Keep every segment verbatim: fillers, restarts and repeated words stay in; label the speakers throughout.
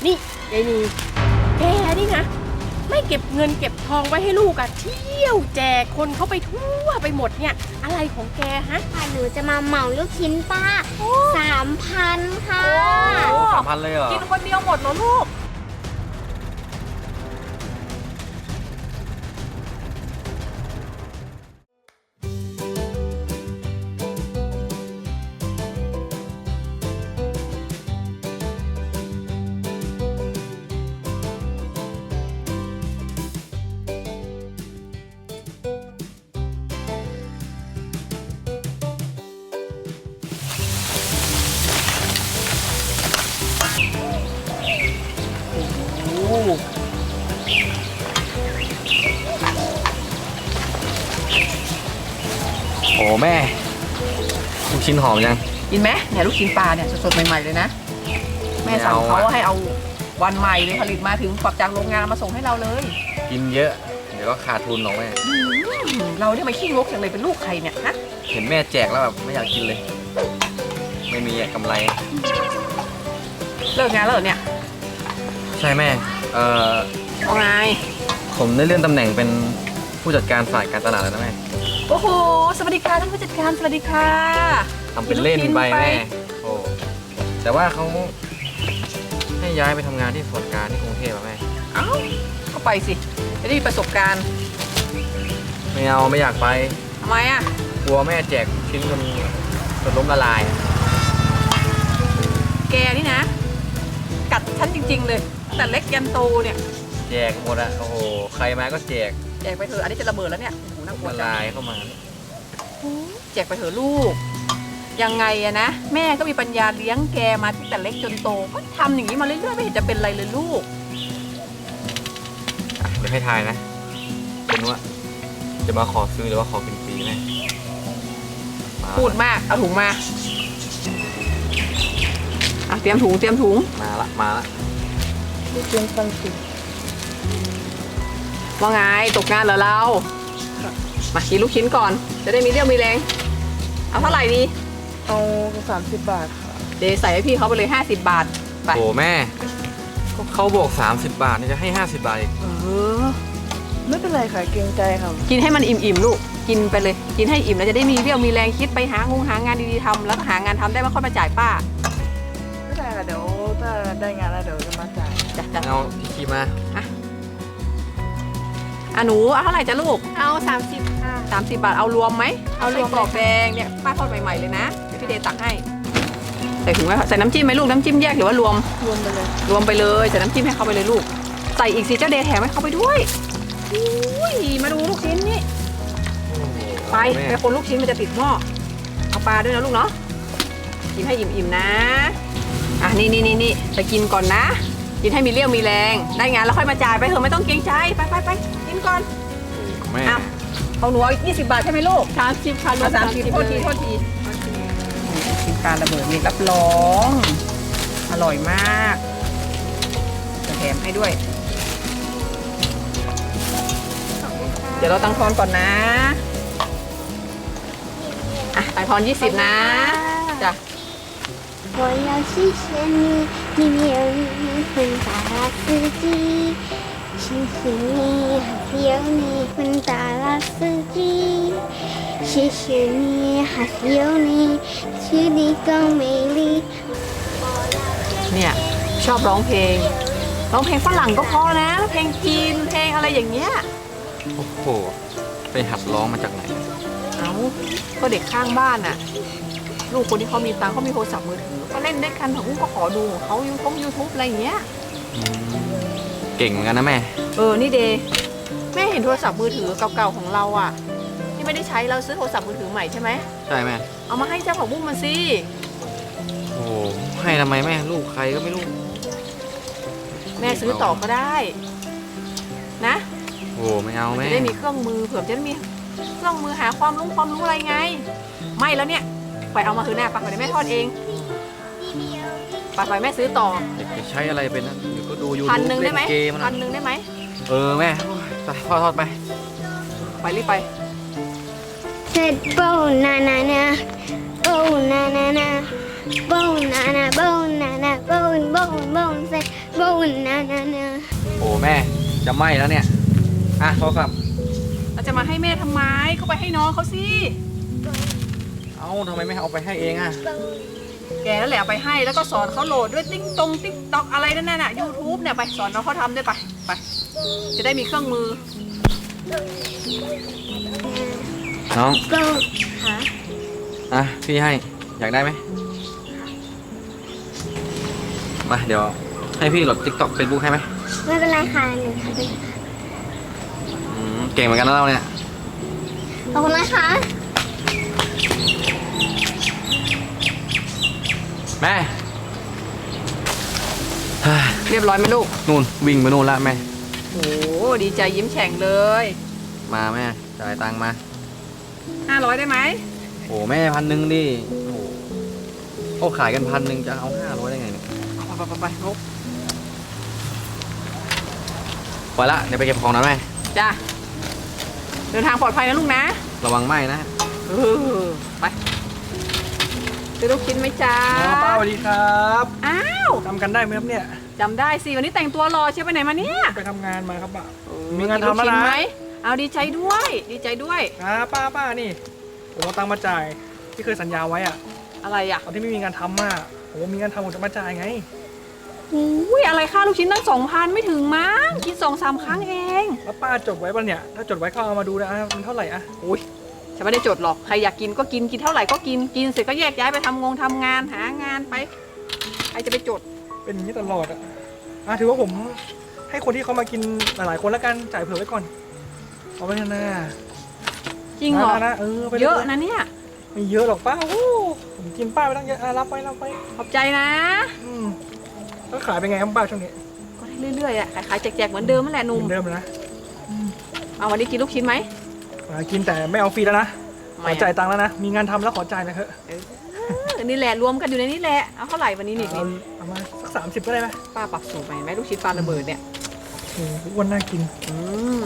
Speaker 1: นี่ยายนีแกนี่นะไม่เก็บเงินเก็บทองไว้ให้ลูกอะเที่ยวแจกคนเขาไปทั่วไปหมดเนี่ยอะไรของแกฮะ
Speaker 2: หนูจะมาเหมาลูกชิ้นป้าสามพันค่ะ
Speaker 3: สามพันเลยเหรอ
Speaker 1: กินคนเดียวหมดเหรอลูก
Speaker 3: โอ้แม่ลูกชิ้นหอมยัง
Speaker 1: กินไหมเนี่ยลูกชิ้นปลาเนี่ยสดๆใหม่ๆเลยนะแม่สั่งเขาให้เอาวันใหม่เลยผลิตมาถึงปรับจากโรงงานมาส่งให้เราเลย
Speaker 3: กินเยอะเดี๋ยวก็ขาดทุนหรอกแม่
Speaker 1: เราเนี่ยมาขี้งกอย่างไรเป็นลูกใครเนี่ยฮะ
Speaker 3: เห็นแม่แจกแล้วแบบไม่อยากกินเลยไม่มีกำไร
Speaker 1: เลิกงานแล้วเหรอเนี่ย
Speaker 3: ใช่แม่เอ่อ
Speaker 1: เอาไง
Speaker 3: ผมได้เลื่อนตำแหน่งเป็นผู้จัดการฝ่ายการตลาดแล้วนะแม่
Speaker 1: โอ้โหสวัสดีค่ะท่านผู้จัดการสวัสดีค่ะ
Speaker 3: ทำเป็นเล่นไปแม่โอ้แต่ว่าเขาให้ย้ายไปทำงานที่ส่วนกลางที่กรุงเทพแม่
Speaker 1: เอ้าก็ไปสิจะได้มีประสบการณ์
Speaker 3: ไม่เอาไม่อยากไป
Speaker 1: ทำไมอ่ะ
Speaker 3: กลัวแม่แจกชิ้นจนจนล้มละลาย
Speaker 1: แกนี่นะกัดฉันจริงๆเลยแต่เล็กยันโตเนี่ย
Speaker 3: แจกหมดอะโอ้โหใครมาก็แจก
Speaker 1: แจกไปเถอะอันนี้จะระเบิดแล้วเนี่ยโอ้โหน่ากลัว
Speaker 3: ละลายเข้ามา
Speaker 1: แจกไปเถอะลูกยังไงอะนะแม่ก็มีปัญญาเลี้ยงแกมาตั้งแต่เล็กจนโตก็ทำอย่างนี้มาเรื่อยๆไม่เห็นจะเป็นไรเลยลูก
Speaker 3: เดี๋ยวให้ทายนะคุณว่าจะมาขอซื้อหรือว่าขอเป็นฟรีแม่
Speaker 1: พูดมากเอาถุงมาอ่ะเตรียมถุงเตรียมถุง
Speaker 3: มาละมาละ
Speaker 1: เตรียมฟังสิว่าไงตกงานเหรอเรามากินลูกชิ้นก่อนจะได้มีเรี่ยวมีแรงเอาเท่าไหร่ดี
Speaker 4: เอาสามสิบบาทค่ะ
Speaker 1: เดี๋ยวใส่ให้พี่เขาไปเลยห้าสิบบาทไป
Speaker 3: โอ้แม่เขาบอกสามสิบบาทนี่จะให้ห้าสิบบาท
Speaker 1: เออ
Speaker 4: ไม่เป็นไรค่ะเกรงใจค่ะ
Speaker 1: กินให้มันอิ่มๆลูกกินไปเลยกินให้อิ่มแล้วจะได้มีเรี่ยวมีแรงคิดไปหางงหางานดีๆทำแล้วก็หางานทำได้มาค่อยมาจ่ายป้า
Speaker 4: ไม่ได้ค่ะเดี๋ยวถ้าได้งานแล้วเดี๋ยวจะมาจ่าย
Speaker 1: จ้ะ
Speaker 3: เอาที่คีมา
Speaker 1: อ่ะอ่ะหนูเอาเท่าไหร่จ้ะลูก
Speaker 2: เอาสามสิบค่ะ
Speaker 1: สามสิบบาทเอารวมไหมเอารวมกรอบแดงเนี่ยป้าทอดใหม่ๆเลยนะพี่เดย์ตักให้ใส่ถุงไว้ใส่น้ำจิ้มไหมลูกน้ำจิ้มแยกหรือว่ารวม
Speaker 4: รวมไปเลย
Speaker 1: รวมไปเลยใส่น้ำจิ้มให้เขาไปเลยลูกใส่อีกสิเจ้าเดย์แถมให้เขาไปด้วยอุ้ยมาดูลูกชิ้นนี่ไปไปคนลูกชิ้นมันจะติดหม้อเอาปลาด้วยนะลูกเนาะกินให้อิ่มๆนะอ่ะนี่นี่นี่นี่ไปกินก่อนนะกินให้มีเรี่ยวมีแรงได้งานแล้วค่อยมาจ่ายไปเถอะไม่ต้องเกรงใจไปไปไปกินก่อน
Speaker 3: แม่
Speaker 1: ของหนูยี่สิบบาทใช่ไหมลูก
Speaker 2: สามสิบค่ะ
Speaker 1: สามสิบโทษทีโทษทีกินปลาระเบิดนี่รับรองอร่อยมากจะแถมให้ด้วยเดี๋ยวเราตั้งทอนก่อนนะอ่ะตั้งทอนยี่สิบนะจ้ะ
Speaker 2: 我要谢谢你，你有你很大的司机，谢谢你，还有你很大的司机，谢谢你，还有你，去你更美丽。
Speaker 1: เนี่ยชอบร้องเพลงร้องเพลงฝรั่งก็พอนะเพลงจีนเพลงอะไรอย่างเงี้ย
Speaker 3: โอ้โหไปหัดร้องมาจากไหน
Speaker 1: เอ้าก็เด็กข้างบ้านน่ะลูกคนที่เขามีตังค์เขามีโทรศัพท์มือถือก็เล่นด้วยกันของก็ขอดูของเขายูทูบยูทูบอะไรอย่างเงี้ย
Speaker 3: เก่งเหมือนกันนะแม่
Speaker 1: เออนี่เดย์แม่เห็นโทรศัพท์มือถือเก่าๆของเราอ่ะที่ไม่ได้ใช้เราซื้อโทรศัพท์มือถือใหม่ใช่ไหม
Speaker 3: ใช่แม่
Speaker 1: เอามาให้เจ้าของบุ้งมันสิ
Speaker 3: โอ้ให้ทำไมแม่ลูกใครก็ไม่รู้
Speaker 1: แม่ซื้อต่อก็ได้นะ
Speaker 3: โอ้ไม่เอาแม่
Speaker 1: จะได้มีเครื่องมือเผื่อจะได้มีเครื่องมือหาความรู้ความรู้อะไรไงไม่แล้วเนี่ยไปเอามาคือหน้าปักไปแม่ทอดเองปักไปแม่ซื้อต่อ
Speaker 3: จะใช้อะไรเป็นนะเดี๋ยวก็ดูยูทูบ
Speaker 1: พันหนึ่งได้ไหม
Speaker 3: เกมนะ
Speaker 1: พันหนึ่งได้ไหม
Speaker 3: เออแม่ไปทอดทอดไป
Speaker 1: ไปรีบไป
Speaker 2: เสร็จโบนานานาโบนานานาโบนานาโบนานาโบนโบนโบนเสร็จ banana nana.
Speaker 3: โอ้แม่จะไหม้แล้วเนี่ยอ่ะโทรศัพท์
Speaker 1: เราจะมาให้แม่ทำไมเขาไปให้น้องเขาสิ
Speaker 3: เอ้าทำไมไม่เอาไปให้เองอ่ะ
Speaker 1: แกนั่นแหละเอาไปให้แล้วก็สอนเขาโหลดด้วยติ๊งตรงติ๊กต็อกอะไรนั่นน่ะยูทูบเนี่ยไปสอนน้องเขาทำด้วยไปไปจะได้มีเครื่องมือ
Speaker 3: น้อง
Speaker 2: Go.
Speaker 3: อ่ะพี่ให้อยากได้ไหมมาเดี๋ยวให้พี่โหลด TikTok Facebook ให้ไหม
Speaker 2: ไม่เป็นไรค่ะหนูทำเป็น
Speaker 3: อืมเก่งเหมือนกันนะเราเนี่ย
Speaker 2: ขอบคุณนะคะ
Speaker 3: แม่เฮ้ย
Speaker 1: เรียบร้อยไหมลูก
Speaker 3: นู่นวิ่งไปนู่นละแม่
Speaker 1: โอ้ดีใจยิ้มแฉ่งเลย
Speaker 3: มาแม่จ่ายตังค์มา
Speaker 1: ห้าร้อยได้ไหม
Speaker 3: โอ้แม่พันหนึ่งดิโอ้เขาขายกันพันหนึ่งจะเอาห้าร้อยได้ไงเนี่ย
Speaker 1: เอาไปไปไปลูก
Speaker 3: ไปละเดี๋ยวไปเก็บของนะแม่
Speaker 1: จ้าเดินทางปลอดภัยนะลูกนะ
Speaker 3: ระวังไหม้นะ
Speaker 1: เออไปซื้อลูกชิ้นไหมจ้า
Speaker 5: อ๋อป้าสวัสดีครับ
Speaker 1: อ้าว
Speaker 5: จำกันได้ไหมครับเนี่ย
Speaker 1: จำได้สิวันนี้แต่งตัวรอใช่ไปไหนมาเนี่ย
Speaker 5: ไปทำงานมาครับป้า
Speaker 1: เออ
Speaker 5: มีงานทำแล้วนะ
Speaker 1: กิลูกชิ้ไหมเอาดีใจด้วย ดีใจด้วย
Speaker 5: อ่าป้าป้านี่ผมเอาตังค์มาจ่ายที่เคยสัญญาไว้อะ
Speaker 1: อะไรอ่ะ
Speaker 5: ตอนที่ไม่มีงานทำอะผมมีงานทำผมจะมาจ่ายไง
Speaker 1: อุ้ยอะไรค่าลูกชิ้นตั้งสองพันไม่ถึงมั้งกินสองสามครั้งเอง
Speaker 5: แล้วป้าจดไว้ป่ะเนี่ยถ้าจดไว้ก็เอามาดูนะมันเท่าไหร่อะ
Speaker 1: อุ้ยฉันไม่ได้จดหรอกใครอยากกินก็กินกินเท่าไหร่ก็กินกินเสร็จก็แยกย้ายไปทำงงทำงานหางานไปใครจะไปจด
Speaker 5: เป็นอย่างนี้ตลอดอะอ่ะถือว่าผมให้คนที่เขามากินหลายๆคนแล้วกันจ่ายเผื่อไว้ก่อนเอาไว้นะ
Speaker 1: จริงเหรอ
Speaker 5: นะนะเออไปล
Speaker 1: เยอะนะเนี่ย
Speaker 5: ไม่เยอะหรอกป้าโอ้ผมกินป้าไปตั้งเยอะอ่ะรับไปรับไป
Speaker 1: ขอบใจนะ
Speaker 5: อืมแล้วขายเป็นไงครับป้าช่วงนี้
Speaker 1: ก็ได้เรื่อยๆอ่ะขายๆแจกๆเหมือนเดิมนั่นแหละห
Speaker 5: เห
Speaker 1: นุ่ม
Speaker 5: มือนเดิมเลยนะ
Speaker 1: เอาวันนี้กินลูกชิ้นไหม
Speaker 5: อ่ากินแต่ไม่เอาฟรีแล้วนะข
Speaker 1: ไม่
Speaker 5: อ
Speaker 1: อะ
Speaker 5: จ่ายตังค์แล้วนะ มีงานทำแล้วขอจ่ายหนะเถอะ
Speaker 1: เออนี่แหละรวมกันอยู่ในนี้แหละเอาเท่าไหร่วันนี้นี่
Speaker 5: เอาเอามาสักสามสิบก็ได้ไหม
Speaker 1: ป้าปรับสูตรใหม่ไหมลูกชิ้นปลาระเบิดเนี่ย
Speaker 5: โอ้โหอ้วนน่ากิน
Speaker 1: อืม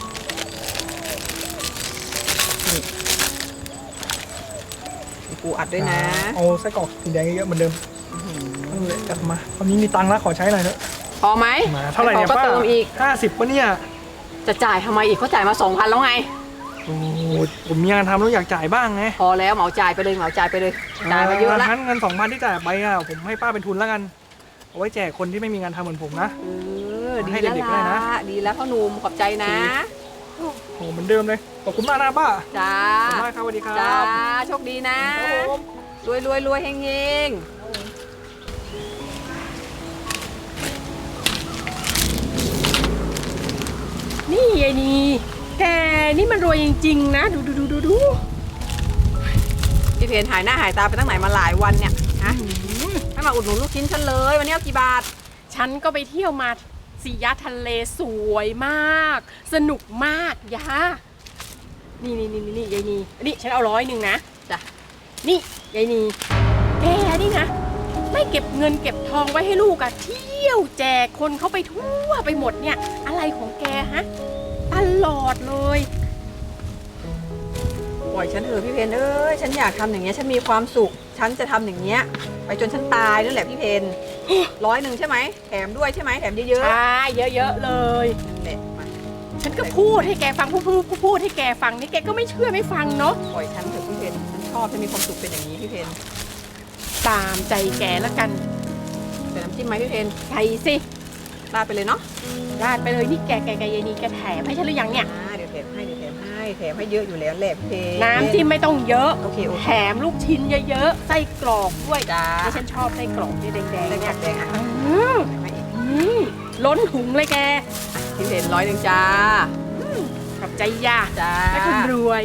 Speaker 1: นี่ปูอัดด้วยนะ
Speaker 5: เอาไส้กรอกสีแดงเยอะๆเหมือนเดิมนั่นเลยจัดมาตอนนี้มีตังค์แล้วขอใช้หน่อยเถอะ
Speaker 1: พอไหม
Speaker 5: มาเท่าไหร่เนี่ย
Speaker 1: พอก็
Speaker 5: ป้า
Speaker 1: เติมอีก
Speaker 5: ห้าสิบปะเนี่ย
Speaker 1: จะจ่ายทำไมอีกเขาจ่ายมาสองพันแล้วไง
Speaker 5: โอ้โหผมมีงานทำแล้วอยากจ่ายบ้างไง
Speaker 1: พอแล้วเหมาจ่ายไปเลยเหมาจ่ายไปเลยจ่ายมาเยอะแล้ว
Speaker 5: งั้นเงินสองพันที่จ่ายไปอ่ะผมให้ป้าเป็นทุนแล้วกันเอาไว้แจกคนที่ไม่มีงานทำเหมือนผมนะ
Speaker 1: เออดี
Speaker 5: ให้
Speaker 1: แล้ว
Speaker 5: เด็กๆได้
Speaker 1: ล่ะ
Speaker 5: นะ
Speaker 1: ดีแล้วพ่อหนุ่มขอบใจนะ
Speaker 5: โอ้โหเหมือนเดิมเลยขอบคุณมากนะป้า
Speaker 1: จ้า
Speaker 5: ขอบคุณมากครับสวัสดีครั
Speaker 1: จ้า
Speaker 5: บ
Speaker 1: โชคดีนะครับ
Speaker 5: ผม
Speaker 1: รวยรวยรวยเฮงเฮงนี่ยายนีแกนี่มันรวยจริงๆนะ ดูดูดูดูดูพี่เพนหายหน้าหายตาไปตั้งไหนมาหลายวันเนี่ยฮะให้มาอุดหนุนลูกชิ้นฉันเลยวันนี้เอากี่บาท
Speaker 6: ฉันก็ไปเที่ยวมาสียะทะเลสวยมาก สนุกมากยานี่นี่นี่นี่ยายนีนี่ฉันเอาร้อยหนึ่งนะ
Speaker 1: จ้ะ
Speaker 6: นี่ยายนีแกนี่นะ ไม่เก็บเงินเก็บทองไว้ให้ลูกอะเที่ยวแจกคนเขาไปทั่วไปหมดเนี่ย อะไรของแกฮะตลอดเลย
Speaker 1: ปล่อยฉันเถอะพี่เพนเอ้ยฉันอยากทำอย่างเงี้ยฉันมีความสุข ฉันจะทำอย่างเงี้ยไปจนฉันตายนั่นแหละพี่เพน ร้อยหนึ่งใช่ไหมแถมด้วยใช่ไหมแถมเยอะ
Speaker 6: ใช่เยอะๆเลย
Speaker 1: ๆนั่นแหละมา
Speaker 6: ฉันก็พูดให้แกฟังพูดพูดพูดพูดให้แกฟังนี่แกก็ไม่เชื่อไม่ฟังเนาะ
Speaker 1: ปล่อยฉันเถอะพี่เพนฉันชอบฉันมีความสุขเป็นอย่างนี้พี่เพน
Speaker 6: ตามใจแกแล้วกัน
Speaker 1: เป็นน้ำจิ้มไหมพี่เพน
Speaker 6: ใส่สิ
Speaker 1: ราดไปเลยเนาะ
Speaker 6: ราดไปเลยนี่แกแกแกยายนีแกแถมให้ฉันหรือยังเนี่ย
Speaker 1: อ่าเดี๋ยวแถมให้เดี๋ยวแถมให้แถมให้เยอะอยู่แล้วแหละพี่เพน
Speaker 6: น้ำจิ้มไม่ต้องเยอะ
Speaker 1: โอเคโอเค
Speaker 6: แถมลูกชิ้นเยอะๆ ไส้กรอกด้วย
Speaker 1: จ้า
Speaker 6: ที่ฉันชอบไส้กรอกที่แดง
Speaker 1: ไส้
Speaker 6: ๆ
Speaker 1: กร
Speaker 6: เนี่
Speaker 1: อย กแดงอ่ะ
Speaker 6: อืม
Speaker 1: แถมให้อีก
Speaker 6: นี่ล้นถุงเลยแก
Speaker 1: พี่เพนร้อยหนึ่งจ้า
Speaker 6: ขอบใจย่า
Speaker 1: จ้า
Speaker 6: และคนรวย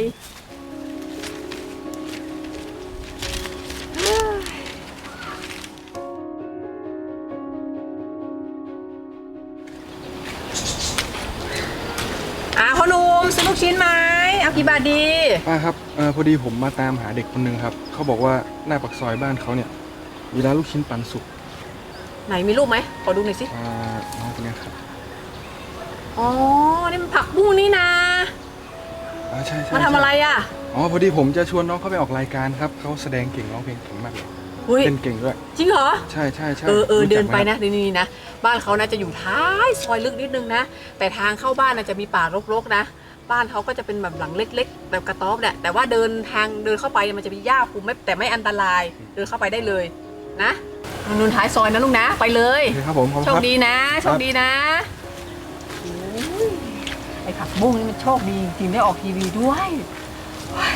Speaker 1: อ่าพ่อหนุ่มซื้อลูกชิ้นไหมเอากี่บาทดี
Speaker 7: ป้าครับเออพอดีผมมาตามหาเด็กคนหนึ่งครับ เขาบอกว่าหน้าปากซอยบ้านเขาเนี่ยมีร้านลูกชิ้นปันสุก
Speaker 1: ไหนมีรูปไหมขอดูหน่อยสิ
Speaker 7: อ่าน้องคนเนี้ยครับ
Speaker 1: อ๋อนี่มันผักบุ้งนี่นะ
Speaker 7: อ่าใช่ใช่
Speaker 1: มาทำอะไรอ่ะ
Speaker 7: อ๋อพอดีผมจะชวนน้องเขาไปออกรายการครับเขาแสดงเก่งร้องเพลงเก่งมากเลย
Speaker 1: อเฮ้ย
Speaker 7: เต้นเก่งด้วย
Speaker 1: จริงเหรอ
Speaker 7: ใช่ใช่ใช่
Speaker 1: เออเออ
Speaker 7: รู้จัก
Speaker 1: เดินไป
Speaker 7: หม
Speaker 1: นะนี่นี่นะบ้านเขานะจะอยู่ท้ายซอยลึกนิดนึงนะแต่ทางเข้าบ้านนะจะมีป่ารกๆนะบ้านเขาก็จะเป็นแบบหลังเล็กๆแบบกระต๊อบแหละแต่ว่าเดินทางเดินเข้าไปมันจะมีหญ้าคลุมไม่แต่ไม่อันตรายเดินเข้าไปได้เลยนะนุ่นท้ายซอยนะลูกนะไปเลย
Speaker 7: โอเคครับผมขอบ
Speaker 1: โช
Speaker 7: คุณ
Speaker 1: ค
Speaker 7: ครับ
Speaker 1: ดีนะโชคดีนะโอ้ยไอ้ผักบุ้งนี่มันโชคดีจริงได้ออกทีวีด้วยโอ้ย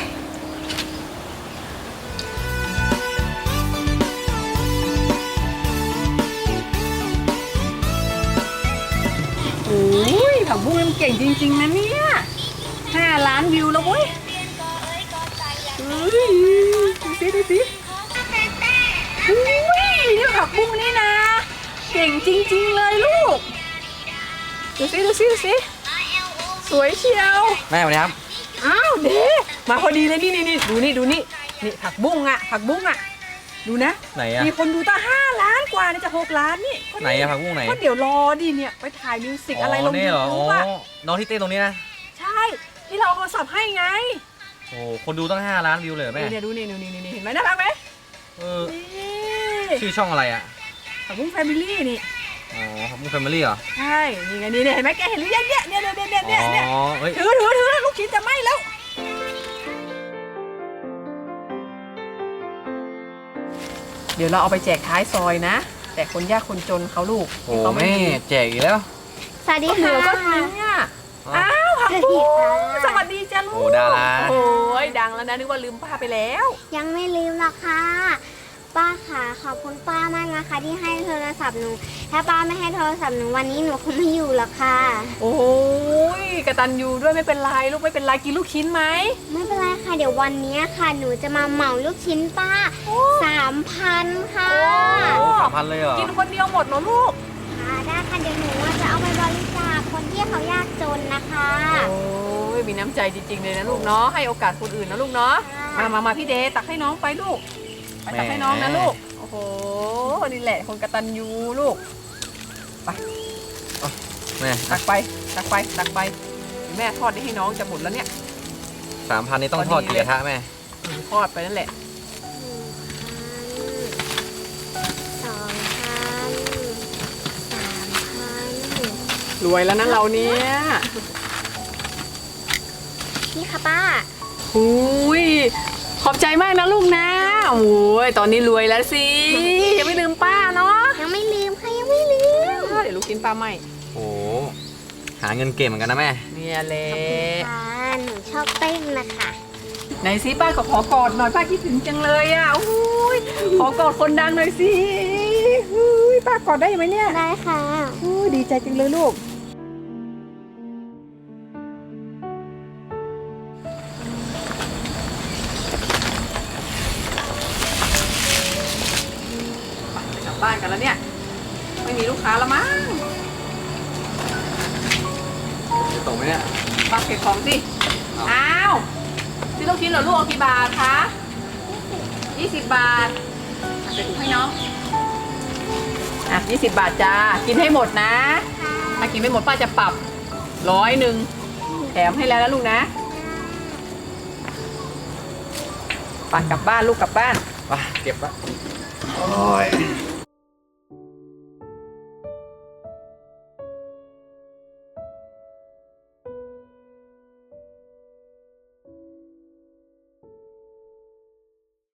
Speaker 1: โอ้ยผักบุ้งนี่มันเก่งจริงๆนะเนี่ยห้าล้านวิวแล้วเว้ยเฮ้ยดูสิดูสิอุ้ยนี่ผักบุ้งนี่นะเก่งจริงๆเลยลูกดูสิดูสิดูสิสวยเชียว
Speaker 3: แม่สวัสดีครับ
Speaker 1: อ้าวเด็มาพอดีเลยนี่นี่นี่ดูนี่ดูนี่นี่ผักบุ้งอ่ะผักบุ้งอ่ะดูนะ
Speaker 3: ไหนอะ
Speaker 1: มีคนดูตั้งห้าล้านกว่านี่จะหกล้านนี่ก็
Speaker 3: ไหนอะผักบุ้งไหน
Speaker 1: ก็เดี๋ยวรอดิเนี่ยไปถ่ายมิวสิกอะไรลง
Speaker 3: นี่
Speaker 1: ยู
Speaker 3: เหรอ
Speaker 1: ทู
Speaker 3: อ๋
Speaker 1: บ
Speaker 3: อ
Speaker 1: อ่ะ
Speaker 3: น้องที่เต้นตรงนี้นะ
Speaker 1: ใช่ที่เราเอาโทรศัพท์ให้ไง
Speaker 3: โอ้คนดูตั้งห้าล้านวิวเลยเหรอแม่
Speaker 1: เนี่ยดูนี่ดูนี่นี่เห็นไหมน่ารักไหม
Speaker 3: เออ
Speaker 1: นี่
Speaker 3: ชื่อช่องอะไรอะ
Speaker 1: ผักบุ้งแฟมิลี่นี่
Speaker 3: อ๋อผักบุ้งแฟมิลี่เหรอ
Speaker 1: ใช่นี่ไงนี่เนี่ยเห็นไหมแกเห็นหรือยังเนี่ยเนี่ยเนี่ยเนี่ยเนี่ยเนี่ย
Speaker 3: อ๋อเฮ้ย
Speaker 1: ถือถือถือลูกชิ้นจะไหม้แล้วเดี๋ยวเราเอาไปแจกท้ายซอยนะแต่คนยากคนจนเขาลูก
Speaker 3: โอ้
Speaker 1: ที่เขา
Speaker 3: แม่แจกอีกแล้ว
Speaker 2: สวัสดี
Speaker 1: ก็เหลื
Speaker 2: ค่ะ
Speaker 1: อก็ทิ้งอ่ะอ้าวผักบุ้งสวัสดีจ้าลูก
Speaker 3: โอ้ดารา
Speaker 1: โอ้ยดังแล้วนะนึกว่าลืมป้าไปแล้ว
Speaker 2: ยังไม่ลืมหรอกค่ะ ป้าค่ะขอบคุณป้ามากนะคะ ที่ให้โทรศัพท์หนู ถ้าป้าไม่ให้โทรศัพท์หนูวันนี้หนูคงไม่อยู่หรอกค่ะ
Speaker 1: โอ้ยกระตันยูด้วยไม่เป็นไรลูกไม่เป็นไรกินลูกชิ้นไหม
Speaker 2: ไม่เป็นไรค่ะ เดี๋ยววันนี้ค่ะ หนูจะมาเหมาลูกชิ้นป้าสามพันค่ะ
Speaker 3: โอ้สามพันเลยเหรอ
Speaker 1: กินคนเดียวหมดเหรอลูก
Speaker 2: ค่ะได้ค่ะเดี๋ยวหนูจะเอาไปบริจาคคนที่เขายากจนนะคะ
Speaker 1: โอ้ยมีน้ำใจจริงๆเลยนะลูกเนาะให้โอกาสคนอื่นนะลูกเนาะมามามาพี่เดตักให้น้องไปลูกไปตักให้น้องนะลูกโอ้โหนี่แหละคนกตัญญูลูก
Speaker 3: แม่
Speaker 1: ตักไปตักไปตักไปแม่ทอดนี่ให้น้องจะหมดแล้วเนี่ย
Speaker 3: สามพันนี่ต้องทอดกี่กระทะแม่
Speaker 1: ทอดไปนั่นแหละ
Speaker 2: สองพันสามพัน
Speaker 1: รวยแล้วนะเราเนี่ย
Speaker 2: นี่ค่ะป้า
Speaker 1: หุยขอบใจมากนะลูกนะโอ้ยตอนนี้รวยแล้วสิยังไม่ลืมป้าเนาะ
Speaker 2: ยังไม่ลืมค่ะยังไม่ลืม
Speaker 1: เดี๋ยวลูกกินป้าไหม
Speaker 3: โอ้หาเงินเก่งเหมือนกันนะแม่
Speaker 1: เนี่ยแหละ
Speaker 2: ค่ะหนูชอบเต้นนะคะ
Speaker 1: ไหนสิป้าก็ขอกอดหน่อยป้าคิดถึงจังเลยอ่ะอุ้ยขอกอดคนดังหน่อยสิอุ้ยป้ากอดได้ไหมเนี่ย
Speaker 2: ได้ค่ะ
Speaker 1: อุ้ยดีใจจังเลยลูกไปกลับบ้านกันแล้วเนี่ยไม่มีลูกค้าแล้วมั้ง
Speaker 3: จะตกไหมเนี่ย
Speaker 1: ป้าเก็บของสิอ้าวซื้อลูกชิ้นเหรอลูกเอากี่บาทคะยี่สิบบาทอ่ะใส่ถุงให้น้องอ่ะยี่สิบบาทจ้ากินให้หมดนะ ถ้ากินไม่หมดป้าจะปรับร้อยหนึ่งแถมให้แล้วนะลูกนะไปักกลับบ้านลูกกลับบ้าน
Speaker 3: ไปเก็บละโอ้ย